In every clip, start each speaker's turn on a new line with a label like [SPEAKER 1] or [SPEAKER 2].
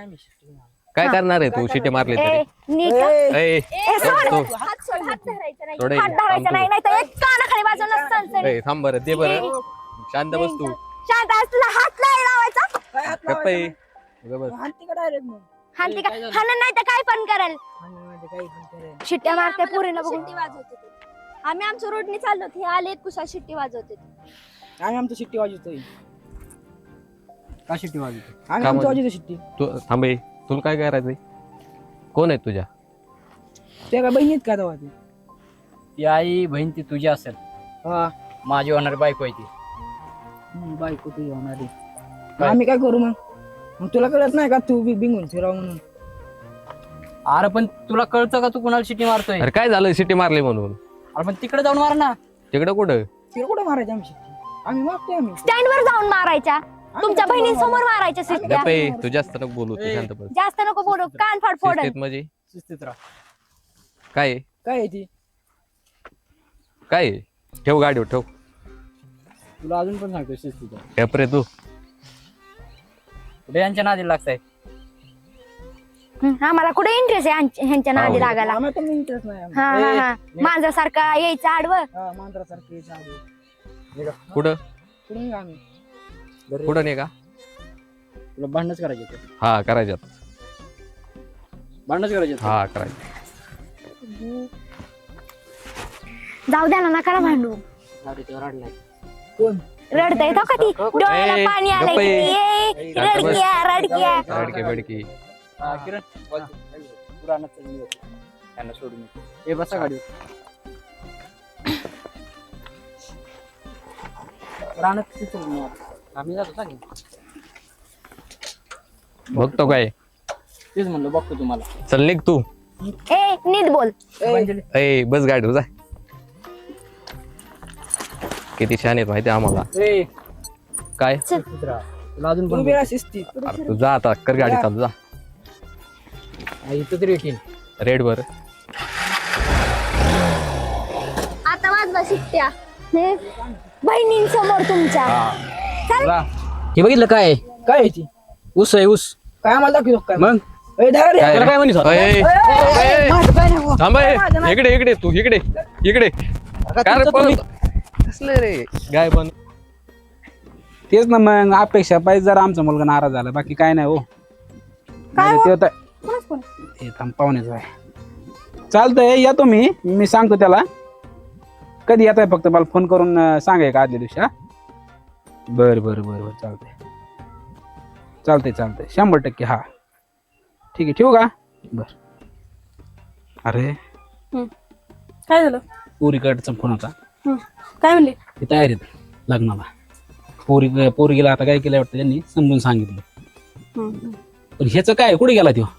[SPEAKER 1] आम्ही शिट्टी मारू.
[SPEAKER 2] काय करणार आहे तू शिट्टी मारली तरी
[SPEAKER 3] हात धरायचा नाही, नाही तर एक कानाखाली वाजवणार सनसनी.
[SPEAKER 2] थांब बरं दे बरं शांत बस तू
[SPEAKER 3] शांत आहेस, तुला हात नाही लावायचा.
[SPEAKER 1] काय हात
[SPEAKER 2] गप्प आहे.
[SPEAKER 1] लावायचा?
[SPEAKER 2] गप्प बस.
[SPEAKER 1] हाणती का डायरेक्ट मग
[SPEAKER 3] हाणती का? हाणन नाही तर काय पण करेल.
[SPEAKER 1] हाणण्यामध्ये काही पण करेल.
[SPEAKER 3] शिट्ट्या मारते पुरीला बघून.
[SPEAKER 4] शिट्टी वाजवते ते. आम्ही आमच्या रोडनी चाललो हे आले कुशा शिट्टी वाजवते ते.
[SPEAKER 1] आम्ही आमचं शिट्टी वाजवतोय.
[SPEAKER 5] का शिट्टी वाजवतो?
[SPEAKER 1] आम्ही
[SPEAKER 2] का
[SPEAKER 1] आमचं
[SPEAKER 2] म्हणजे?
[SPEAKER 1] वाजवतो शिट्टी.
[SPEAKER 2] तू थांब ए. तुला काय करायचंय कोण आहे तुझ्या
[SPEAKER 1] ते काय बहिणीत का तेव्हा ती?
[SPEAKER 5] ती आई बहीण ती तुझी असेल,
[SPEAKER 1] हा
[SPEAKER 5] माझी होणारी बायको आहे ती.
[SPEAKER 1] बायको तुझी होणारी. आम्ही काय करू मग तुला कळत नाही का तू बिंगून फिराव म्हणून?
[SPEAKER 5] अरे पण तुला कळतं का तू कुणाला शिट्टी मारतोय?
[SPEAKER 2] अरे काय झालं शिट्टी मारली म्हणून
[SPEAKER 5] अरे पण तिकडे जाऊन मार ना.
[SPEAKER 2] तिकडं कुठं
[SPEAKER 1] तिला कुठं मारायची आम्ही शिट्टी? आम्ही मारतोय आम्ही.
[SPEAKER 3] स्टँड वर जाऊन मारायच्या, तुमच्या बहिणींसमोर मारायच्या शिट्ट्या.
[SPEAKER 2] गप्प आहे. तू जास्त नको बोलू तू शांत बस
[SPEAKER 3] जास्त नको बोलू, कान फाड फोडल.
[SPEAKER 2] शिस्तीत म्हणजे
[SPEAKER 5] शिस्तीत राहा.
[SPEAKER 2] काय आहे?
[SPEAKER 1] काय आहे ती?
[SPEAKER 2] काय आहे? ठेव गाडीवर ठेव
[SPEAKER 5] तुला अजून पण सांगतो शिस्तीत राहा.
[SPEAKER 2] ठेप रे तू
[SPEAKER 5] कुठे यांच्या नादी लागताय?
[SPEAKER 3] आम्हाला कुठे इंटरेस्ट आहे ह्यांच्या नादी लागायला.
[SPEAKER 1] आम्हाला पण इंटरेस्ट नाही आम्हाला.
[SPEAKER 3] हा हा हा मांजरासारखा यायचं आडवं.
[SPEAKER 1] हा मांजरासारखे चालू.
[SPEAKER 2] कुठं
[SPEAKER 1] कुठून निघा आम्ही?
[SPEAKER 2] कुठं नाही का
[SPEAKER 5] तुला भांडणच करायचे होते.
[SPEAKER 2] हा करायच्यात
[SPEAKER 5] भांडणच करायचे होते.
[SPEAKER 2] हा करायचं
[SPEAKER 3] जाऊ द्या ना, नका भांडू.
[SPEAKER 5] अरे ते रडलाय.
[SPEAKER 1] कोण?
[SPEAKER 3] रडता येतो का ती? डोळ्याला
[SPEAKER 2] ए,
[SPEAKER 3] पाणी आलंय
[SPEAKER 2] गप्प
[SPEAKER 3] की.
[SPEAKER 2] आहे.
[SPEAKER 3] ए, रडक्या रडक्या.
[SPEAKER 2] बडकी बडकी
[SPEAKER 5] हा, किरण तू रानात चल, मी येतो. त्यांना सोडून येतो. ए बसा गाडीवर. रानात किती चल मी आता. आम्ही जातो सांगेन.
[SPEAKER 2] बघतो काय
[SPEAKER 5] तेच म्हणलं बघतो तुम्हाला.
[SPEAKER 2] चल निघ तू
[SPEAKER 3] ए नीट बोल.
[SPEAKER 5] अंजली
[SPEAKER 2] ए बस गाडीवर जा किती छान येत माहिती आम्हाला
[SPEAKER 5] ए
[SPEAKER 2] काय
[SPEAKER 5] शिस्तीत राहा. तुला अजून
[SPEAKER 1] तू
[SPEAKER 5] पण
[SPEAKER 1] बिरा शिस्तीत.
[SPEAKER 2] अरे तू जा आता कर गाडी चालू जा
[SPEAKER 5] इथं तरी येतील.
[SPEAKER 2] रेड वर
[SPEAKER 3] आता वाजवा शिट्ट्या बहिणींसमोर तुमच्या.
[SPEAKER 2] जा
[SPEAKER 5] हे बघितलं काय?
[SPEAKER 1] काय आहे ती?
[SPEAKER 5] ऊस आहे ऊस.
[SPEAKER 1] काय आम्हाला दाखवतो काय?
[SPEAKER 5] मग
[SPEAKER 1] ए, धरा रे.
[SPEAKER 2] काय
[SPEAKER 5] तुला काय म्हणत होता?
[SPEAKER 2] ए, ए, ए,
[SPEAKER 1] माझं काय नाही हो.
[SPEAKER 2] थांब ए. इकडे इकडे तू इकडे इकडे काय रे पळत? कसलं रे गाय पण
[SPEAKER 6] तेच ना मग अपेक्षा पाहिजे जरा आमचा मुलगा नाराज झाला बाकी काय नाही हो.
[SPEAKER 3] काय
[SPEAKER 6] ते होतं हे थांब पाहुण्याचं आहे. चालतंय या तुम्ही मी सांगतो त्याला कधी येत आहे फक्त मला फोन करून सांगा का आदल्या दिवशी. हा बरं बरं बरं बरं चालतंय चालतंय चालतंय 100% हा ठीक आहे ठेवू का? बर अरे
[SPEAKER 4] काय झालं?
[SPEAKER 6] पोरीकडचा फोन होता.
[SPEAKER 4] काय म्हणले?
[SPEAKER 6] ते तयारीत लग्नाला पोरीला आता काय केलं वाटतं त्यांनी समजून सांगितलं. पण ह्याचं काय कुठे गेला तो?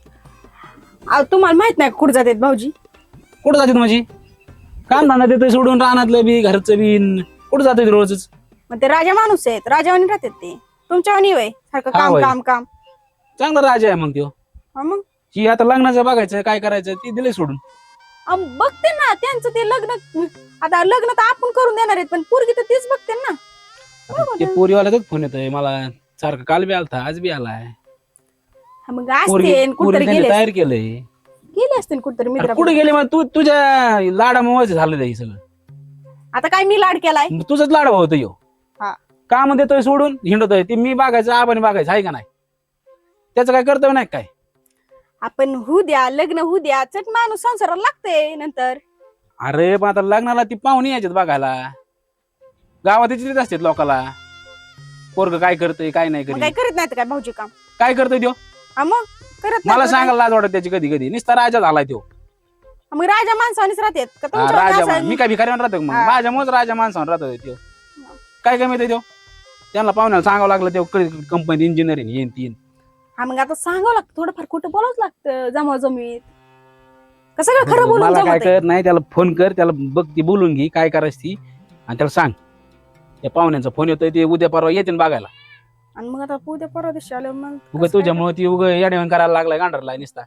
[SPEAKER 4] तुम्हाला माहित नाही कुठे जातात भाऊजी?
[SPEAKER 6] कुठं जाते माझी काम धंदा देतोय सोडून रानातलं बी घरचं बी कुठं जातोय रोजच?
[SPEAKER 4] मग ते राजा माणूस आहेत, राजावानी राहतात ते. तुमच्यावानी वय सारखं
[SPEAKER 6] हा
[SPEAKER 4] काम
[SPEAKER 6] वय.
[SPEAKER 4] काम काम.
[SPEAKER 6] चांगला राजा आहे मग तो.
[SPEAKER 4] हा मग
[SPEAKER 6] ही आता लग्नाचं बघायचं काय करायचं ती दिले सोडून.
[SPEAKER 4] बघते ना त्यांचं ते लग्न. आता लग्न तर आपण करून देणार आहेत पण पोरगी तर तीच बघते ना.
[SPEAKER 6] आता ते पोरीवाल्याचाच फोन येतोय मला सारखं काल बी आलता आज बी आलाय.
[SPEAKER 4] हा, मग
[SPEAKER 6] पोरगी
[SPEAKER 4] असते कुठतरी
[SPEAKER 6] पोरगी त्यांनी
[SPEAKER 4] गेले
[SPEAKER 6] तयार केलंय.
[SPEAKER 4] गेले असते कुठतरी
[SPEAKER 6] अरे
[SPEAKER 4] मित्र.
[SPEAKER 6] कुठे गेले मग तू तुझ्या लाडामुळे झालं हे सगळं.
[SPEAKER 4] आता काय मी लाड केलाय?
[SPEAKER 6] मग तुझंच लाडा होतं यो.
[SPEAKER 4] हा.
[SPEAKER 6] काम देतोय सोडून हिंडतोय ते मी बघायचं आबाने बघायचं आहे का नाही त्याचं काय कर्तव्य नाही काय?
[SPEAKER 4] आपण होऊ द्या लग्न होऊ द्या चट माणूस संसाराला लागते नंतर.
[SPEAKER 6] अरे पण आता लग्नाला ती पाहुणे यायच्यात बघायला गावात चित्रित असतात लोकाला पोरग काय करतोय काय नाही
[SPEAKER 4] मग काय
[SPEAKER 6] करीत
[SPEAKER 4] करीत नाहीत काय भाऊजी काम?
[SPEAKER 6] काय करतोय त्यो
[SPEAKER 4] हा मग करत
[SPEAKER 6] मला
[SPEAKER 4] नाही तर
[SPEAKER 6] सांगायला लाज वाटत त्याची कधी कधी नुसता राजा झालाय त्यो.
[SPEAKER 4] काय? मग राजा माणसावानीच राहतात का
[SPEAKER 6] हा,
[SPEAKER 4] तुमच्या
[SPEAKER 6] राजा
[SPEAKER 4] असं-
[SPEAKER 6] मी काय भिकाऱ्यावर राहतो का मग
[SPEAKER 4] हा.
[SPEAKER 6] माझ्यामुळेच राजा माणसावर राहतोय त्यो. काय कमी येते त्यो त्यांना पाहुण्याला सांगावं लागलं त्यो कंपनीत इंजिनियर येईन तीन.
[SPEAKER 4] हा मग आता सांगावं लागतं थोडंफार खोटं बोलावंच लागतं जमा जमीत. का सगळं खरं बोलून
[SPEAKER 6] मला काय
[SPEAKER 4] जमतंय?
[SPEAKER 6] कर नाही त्याला फोन कर त्याला बघ ती बोलून घे काय करायची ती आणि त्याला सांग त्या पाहुण्यांचा फोन येतोय ते उद्या परवा येतील बघायला.
[SPEAKER 4] आणि मग आता उद्या परवा दिवशी आलं मग
[SPEAKER 6] उगा
[SPEAKER 4] कसं काय?
[SPEAKER 6] तुझ्यामुळे ती उगा येड्यावानी करायला लागलाय गांडरला नुसता.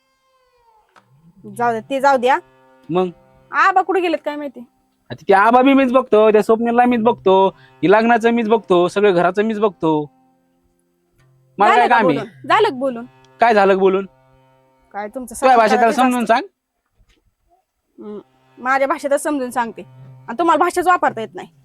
[SPEAKER 4] जाऊ द्या ते जाऊ द्या.
[SPEAKER 6] मग
[SPEAKER 4] आबा कुठे गेलेत काय माहिती?
[SPEAKER 6] आता त्या आबा बी मीच बघतो त्या स्वप्नीला मीच बघतो ही लग्नाचं मीच बघतो सगळं घराचं मीच बघतो. मला काय
[SPEAKER 4] झालं का
[SPEAKER 6] काम आहे?
[SPEAKER 4] बोलून? झालं का बोलून?
[SPEAKER 6] काय झालं बोलून?
[SPEAKER 4] काय तुमचं
[SPEAKER 6] तुझ्या भाषेत त्याला
[SPEAKER 4] सासू
[SPEAKER 6] समजून सांग.
[SPEAKER 4] हम्म. माझ्या भाषेतच समजून सांगते आणि तुम्हाला भाषाच वापरता येत नाही.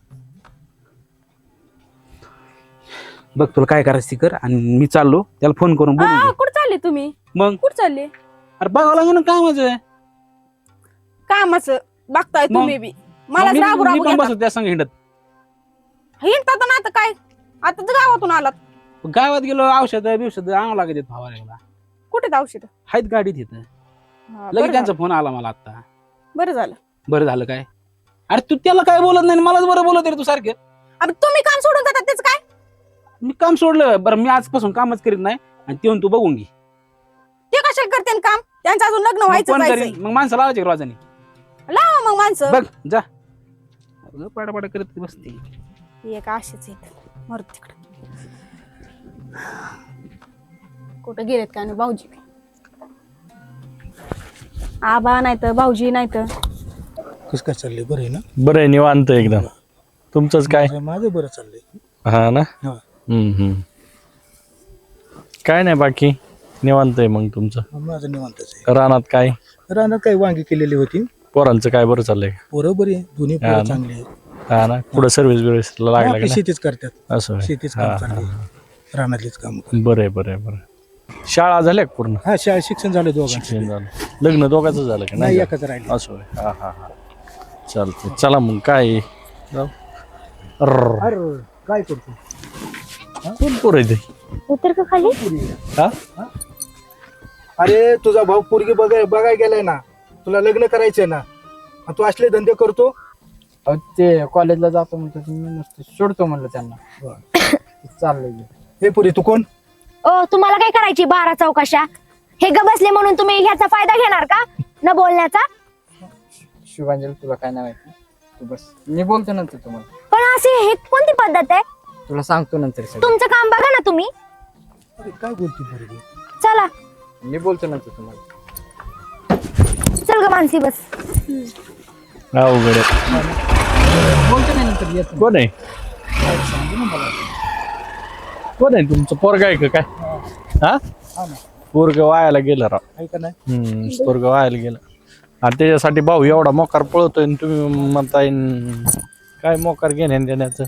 [SPEAKER 6] बघ तुला काय करायचं ती कर आणि मी चाललो त्याला फोन करून बोलून घे.
[SPEAKER 4] कुठं चालले तुम्ही?
[SPEAKER 6] मग
[SPEAKER 4] कुठं चालले?
[SPEAKER 6] अरे बघावं लागेल ना काय माझं.
[SPEAKER 4] कामाचं बघताय
[SPEAKER 6] मग?
[SPEAKER 4] तुम्ही बी. मला
[SPEAKER 6] मी
[SPEAKER 4] राबू राबू
[SPEAKER 6] पण
[SPEAKER 4] घेता.
[SPEAKER 6] बसतो त्या संग हिंडत.
[SPEAKER 4] हिंडतात ना आता काय? आता तर गावातून आलात.
[SPEAKER 6] गावात गेलो औषध बिवषध आणावं लागत फवारायला.
[SPEAKER 4] कुठे औषध?
[SPEAKER 6] आहेत गाडीत येतं. लगेच त्यांचा फोन आला मला आता.
[SPEAKER 4] बरं झालं.
[SPEAKER 6] बरं झालं काय? अरे तू त्याला काय बोलत नाही मलाच बरं बोलत रे तू सारखं.
[SPEAKER 4] अरे तुम्ही काम सोडून जातात त्याचं काय?
[SPEAKER 6] मी काम सोडलं बरं मी आजपासून कामच करीत नाही आणि ते तू बघून घे.
[SPEAKER 4] ते कशा करते काम? त्यांचं अजून लग्न
[SPEAKER 6] मग
[SPEAKER 4] व्हायचं
[SPEAKER 6] कोण
[SPEAKER 4] जायचंय.
[SPEAKER 6] करीन? मग माणसं लावायची रोजाने.
[SPEAKER 4] लावा मग माणसं.
[SPEAKER 6] बघ जा पाडापाडा करत बसते.
[SPEAKER 4] एक आशेच येत मर तिकडे. कुठं गेलेत काय नाही भाऊजी? आबा नाही तर भाऊजी नाही तर.
[SPEAKER 7] कसं काय चाललंय? बरं आहे ना?
[SPEAKER 8] बरं आहे निवांत एकदम. तुमचंच काय?
[SPEAKER 7] माझं बरं चाललंय.
[SPEAKER 8] हा ना.
[SPEAKER 7] हा.
[SPEAKER 8] काय नाही बाकी निवांत आहे. मग तुमचं
[SPEAKER 7] माझं निवांतच आहे.
[SPEAKER 8] रानात काय?
[SPEAKER 7] रानात काही वांगी केलेली होती.
[SPEAKER 8] पोरांचं काय बरं चाललंय?
[SPEAKER 7] पोरं बरी आहे. दोन्ही
[SPEAKER 8] हा
[SPEAKER 7] पोरं
[SPEAKER 8] ना.
[SPEAKER 7] चांगली आहेत.
[SPEAKER 8] हा ना. पुढे सर्व्हिस बिर्व्हिसला लागला
[SPEAKER 7] आपली
[SPEAKER 8] का
[SPEAKER 7] शेतीच करतात.
[SPEAKER 8] नाही? असं होय.
[SPEAKER 7] शेतीच
[SPEAKER 8] हा,
[SPEAKER 7] काम
[SPEAKER 8] हा,
[SPEAKER 7] चाललंय.
[SPEAKER 8] हा.
[SPEAKER 7] रानातलीच काम.
[SPEAKER 8] बरं आहे बरं आहे बरं आहे. शाळा झाल्या का पूर्ण?
[SPEAKER 7] हा शाळा शिक्षण झालं दोघांचं.
[SPEAKER 8] शिक्षण झालं. लग्न दोघांचं झालं का
[SPEAKER 7] नाही
[SPEAKER 8] नाही?
[SPEAKER 7] एकच राहिले.
[SPEAKER 8] असं होय. हा हा हा. चालतंय चला मग काय जाऊ. अर्र.
[SPEAKER 7] अरे काय करतो?
[SPEAKER 8] कोण पोर आहे ते?
[SPEAKER 3] उतर का खाली?
[SPEAKER 8] हा
[SPEAKER 7] अरे तुझा भाऊ पोरगी बघाय गेलाय ना. तुला लग्न करायचंय ना. आणि तू असले धंदे करतो.
[SPEAKER 5] अहो, ते कॉलेजला जातो म्हणतो मी नुसतं सोडतो म्हणलं त्यांना. चाललंय.
[SPEAKER 7] हे पुरी तू कोण?
[SPEAKER 3] ओ तुम्हाला काय करायची 12 चौकशा? हे ग बसले म्हणून तुम्ही ह्याचा फायदा घेणार का न बोलण्याचा?
[SPEAKER 5] शुभांजली तुला काय नाही माहिती. तू बस मी बोलतो नंतर तुम्हाला.
[SPEAKER 3] पण असे हे कोणती पद्धत आहे?
[SPEAKER 5] तुला सांगतो नंतर सगळं.
[SPEAKER 3] तुमचं काम बघा ना तुम्ही.
[SPEAKER 7] अरे काय बोलती पोरगी?
[SPEAKER 3] चला
[SPEAKER 5] मी बोलतो नंतर तुम्हाला.
[SPEAKER 3] चल ग मानसी बस.
[SPEAKER 8] अवघड आहे.
[SPEAKER 5] बोलतो नाही नंतर येतो.
[SPEAKER 8] कोण आहे? कोण आहे तुमचं पोरग आहे का काय? हा पोरग वायाला गेलं राव.
[SPEAKER 7] आहे का नाही?
[SPEAKER 8] पोरग वायाला गेलं आणि त्याच्यासाठी भाऊ एवढा मोकार पळतोय आणि तुम्ही म्हणताय काय मोकार घेण्या देण्याचं.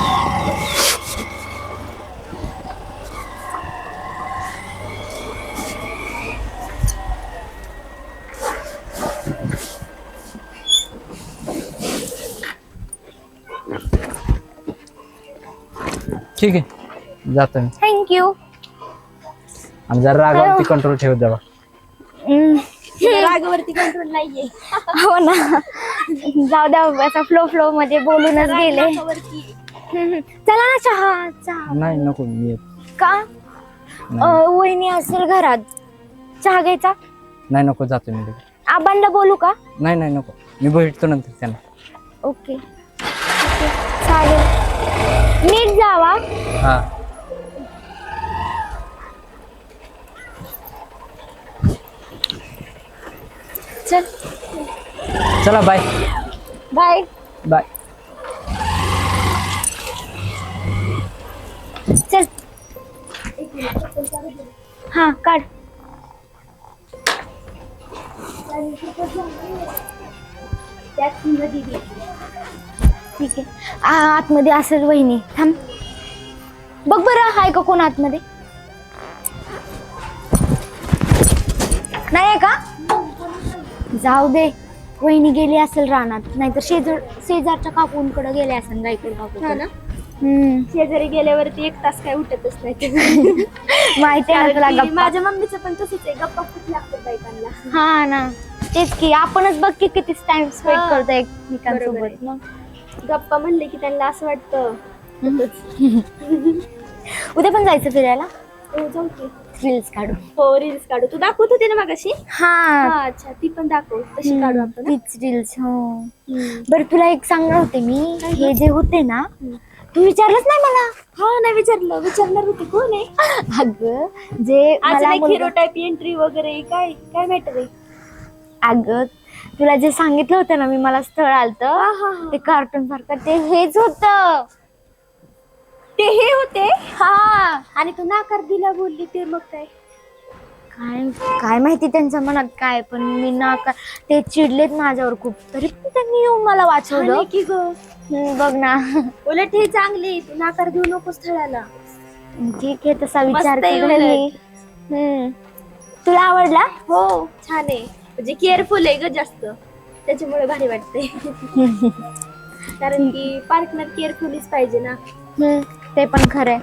[SPEAKER 5] ठीक आहे जातो मी.
[SPEAKER 3] थँक्यू.
[SPEAKER 5] आणि जरा रागावरती कंट्रोल ठेवत जावा.
[SPEAKER 3] रागावरती कंट्रोल नाहीये. हो ना. जाऊ द्या असा फ्लो मध्ये बोलूनच गेले. चला ना चहा.
[SPEAKER 5] नाही नको मी येतो.
[SPEAKER 3] का? वहिनी असेल घरात. चहा घ्यायचा?
[SPEAKER 5] नाही नको जातो मी.
[SPEAKER 3] आबांना बोलू का?
[SPEAKER 5] नाही नको मी भेटतो नंतर त्यांना.
[SPEAKER 3] ओके चालेल. नीट जावा.
[SPEAKER 5] हा
[SPEAKER 3] चल
[SPEAKER 5] चला बाय
[SPEAKER 3] बाय.
[SPEAKER 5] बाय.
[SPEAKER 3] चल. हा काढ. ठीक आहे. आतमध्ये असेल वहिनी. थांब बघ बरं आहे का कोण आतमध्ये? नाही आहे का? जाऊ दे. वहिनी गेली असेल रानात. नाहीतर शेजारच्या काकूंकडे गेले असेल. गायकड काकू.
[SPEAKER 9] शेजारी गेल्यावरती 1 तास काय उठतच नाही.
[SPEAKER 3] माहिती आहे ना तुला गप्पा.
[SPEAKER 9] माझ्या मम्मीचं पण तसंच आहे. गप्पा खूप लागतात बायकांना.
[SPEAKER 3] हा ना तेच की. आपणच बघ की किती टाइम स्पेंड
[SPEAKER 9] हा.
[SPEAKER 3] करतो
[SPEAKER 9] बरोबर
[SPEAKER 3] एकमेकांसोबत.
[SPEAKER 9] आहे.
[SPEAKER 3] मग
[SPEAKER 9] गप्पा म्हणले की त्यांना असं वाटतं.
[SPEAKER 3] उद्या पण जायचं फिरायला.
[SPEAKER 9] हो जाऊ की.
[SPEAKER 3] रील्स काढू.
[SPEAKER 9] हो रील्स काढू. तू दाखवत होती ना मगाशी.
[SPEAKER 3] हा
[SPEAKER 9] अच्छा ती पण दाखव. तशी काढू आपण.
[SPEAKER 3] तीच रील्स. हो बरं तुला एक सांगणार होते मी. हे जे होते ना तू विचारलंच नाही मला.
[SPEAKER 9] हा नाही विचारणार होती कोण आहे.
[SPEAKER 3] अगं जे
[SPEAKER 9] आज
[SPEAKER 3] मला
[SPEAKER 9] नाही
[SPEAKER 3] मुलगा-
[SPEAKER 9] हिरो टाईप एंट्री वगैरे काय काय मॅटर आहे.
[SPEAKER 3] अगं तुला जे सांगितलं होतं ना मी मला स्थळ आलत ते कार्टून सारखं ते हेच होत.
[SPEAKER 9] ते हे होते हा. आणि तू नाकार दिला बोलली ते मग काय?
[SPEAKER 3] काय काय माहिती त्यांच्या मनात काय, पण मी नाकार, ते चिडलेत माझ्यावर खूप, तरी पण त्यांनी येऊन मला वाचवलं.
[SPEAKER 9] आणि की ग
[SPEAKER 3] बघ ना.
[SPEAKER 9] उलट हे चांगले, तू नाकार देऊ नको स्थळाला.
[SPEAKER 3] ठीक आहे, तसा विचार
[SPEAKER 9] मस्त आहे
[SPEAKER 3] केला मी. तुला आवडला?
[SPEAKER 9] हो छान आहे, म्हणजे केअरफुल आहे ग जास्त, त्याच्यामुळे भारी वाटते. कारण की पार्टनर केअरफुलीच पाहिजे ना.
[SPEAKER 3] ते पण खरंय.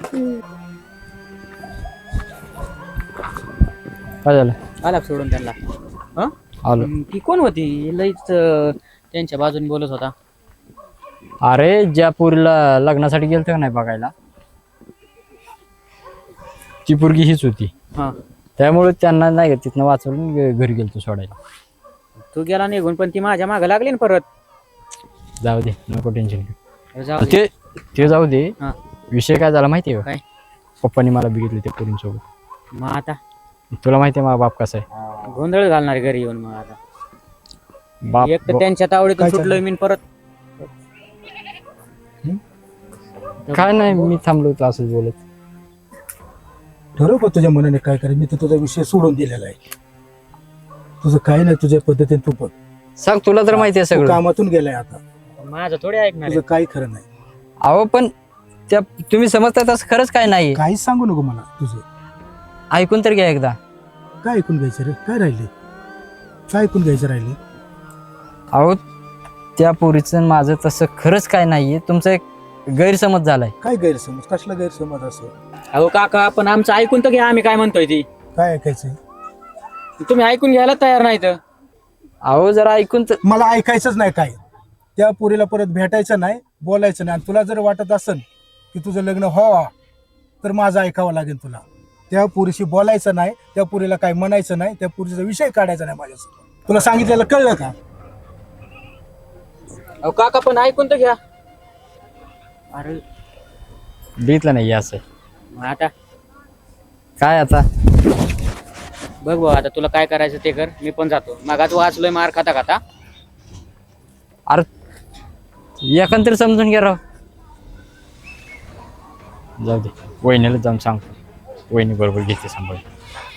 [SPEAKER 5] काय झालं? आला सोडून त्यांना.
[SPEAKER 8] आलो.
[SPEAKER 5] ती कोण होती? लईच त्यांच्या बाजूने बोलत होता.
[SPEAKER 8] अरे ज्या पोरीला लग्नासाठी गेलतो का नाही बघायला, ती पोरगी हीच होती.
[SPEAKER 5] हा.
[SPEAKER 8] त्यामुळे त्यांना नाही का तिथनं वाचवून घरी गेलतो सोडायला.
[SPEAKER 5] तू गेला निघून, पण ती माझ्या मागे लागली ना परत.
[SPEAKER 8] जाऊ दे, नको टेन्शन घेऊ.
[SPEAKER 5] जाऊ दे.
[SPEAKER 8] ते जाऊ दे.
[SPEAKER 5] हा.
[SPEAKER 8] विषय काय झाला माहितीये का?
[SPEAKER 5] काय?
[SPEAKER 8] पप्पांनी मला बघितलं त्या पोरींसोबत.
[SPEAKER 5] मग आता
[SPEAKER 8] तुला माहितीये माझा बाप कसा आहे?
[SPEAKER 5] गोंधळ घालणार घरी येऊन. मग आता
[SPEAKER 8] बाप
[SPEAKER 5] एक तर त्यांच्या तावडीतून सुटलोय मी परत.
[SPEAKER 8] काय नाही, मी थांबलो होतो असंच बोलत.
[SPEAKER 7] ठरव का तुझ्या मनाने काय करायचं. मी तर तुझा विषय सोडून दिलेला आहे. तुझं काय नाही, तुझ्या पद्धतीने तू बघ.
[SPEAKER 8] सांग, तुला तर माहिती आहे
[SPEAKER 7] तू
[SPEAKER 8] सगळं.
[SPEAKER 7] कामातून गेलाय आता,
[SPEAKER 5] माझं थोडे ऐकणार
[SPEAKER 7] तुझं
[SPEAKER 5] आहे.
[SPEAKER 7] काही खरं नाही.
[SPEAKER 8] अहो पण त्या तुम्ही समजता तसं खरंच काय नाही.
[SPEAKER 7] काहीच सांगू नको मला. तुझं
[SPEAKER 8] ऐकून तर घ्या एकदा.
[SPEAKER 7] काय ऐकून घ्यायचं रे? काय राहिले? काय ऐकून घ्यायचं राहिले?
[SPEAKER 8] अहो त्या पोरीचं माझं तसं खरंच काय नाहीये, तुमचा एक गैरसमज झालाय.
[SPEAKER 7] काय गैरसमज? कसला गैरसमज असं?
[SPEAKER 5] अहो काका, पण आमचं ऐकून तर घ्या, आम्ही काय म्हणतोय ती.
[SPEAKER 7] काय ऐकायचंय?
[SPEAKER 5] तुम्ही ऐकून घ्यायला तयार नाही तर.
[SPEAKER 8] अहो जरा ऐकून तर.
[SPEAKER 7] मला ऐकायचंच नाही काय. त्या पोरीला परत भेटायचं नाही, बोलायचं नाही. आणि तुला जर वाटत असेल की तुझं लग्न व्हावा, तर माझं ऐकावं लागेल तुला. त्या पोरीशी बोलायचं नाही, त्या पोरीला काय म्हणायचं नाही, त्या पोरीचा विषय काढायचा नाही माझ्यासोबत. तुला सांगितलेलं कळलं का?
[SPEAKER 5] अहो काका, पण ऐकून तर घ्या. अरे
[SPEAKER 8] भेटलं नाही असं.
[SPEAKER 5] मग आता
[SPEAKER 8] काय आता?
[SPEAKER 5] बघ भाऊ, आता तुला काय करायचं ते कर. मी पण जातो. मागात वाचलोय मार खाता खाता.
[SPEAKER 8] अरे एकंदर समजून घ्या राव. जाऊ दे, वहिनीला जाऊन सांगतो. वहिनी बरोबर घेते सांभाळ.